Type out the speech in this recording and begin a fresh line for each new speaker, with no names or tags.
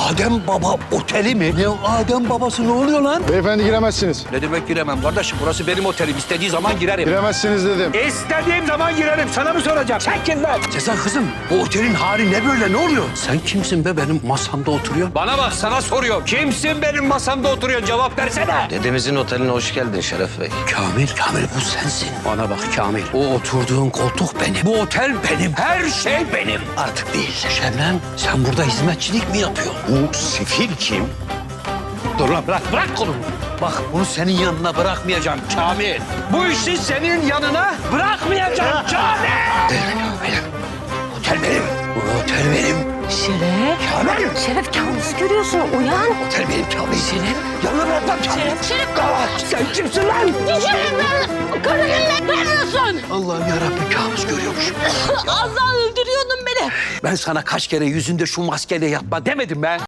Adem Baba Oteli mi? Ne Adem Babası, ne oluyor lan?
Beyefendi giremezsiniz.
Ne demek giremem kardeşim? Burası benim otelim. İstediği zaman girerim.
Giremezsiniz dedim.
İstediğim zaman girerim. Sana mı soracağım? Sen kim lan? Cezan kızım, bu otelin hali ne böyle? Ne oluyor? Sen kimsin be, benim masamda oturuyorsun? Bana bak, sana soruyorum. Kimsin benim masamda oturuyorsun? Cevap versene.
Dedemizin oteline hoş geldin Şeref Bey.
Kamil bu sensin. Bana bak Kamil, o oturduğun koltuk benim. Bu otel benim. Her şey benim. Artık değil. Şebnem, sen burada hizmetçilik mi yapıyorsun? Bu sefil kim? Dur lan, bırak kolumu. Bak, bunu senin yanına bırakmayacağım Kamil. Bu işi senin yanına bırakmayacağım Kamil. Benim. Otel benim. Bu otel benim.
Şeref.
Kamil.
Şeref kabus görüyorsun. Uyan.
Otel benim Kamil.
Şeref.
Yanına bırakmam Kamil.
Şeref.
Sen kimsin lan?
Şeref ben. Karı gününe vermiyorsun.
Allah'ım yarabbim, kabus görüyormuşum.
Az daha öldürüyordun beni.
Ben sana kaç kere yüzünde şu maskeyle yatma demedim ben.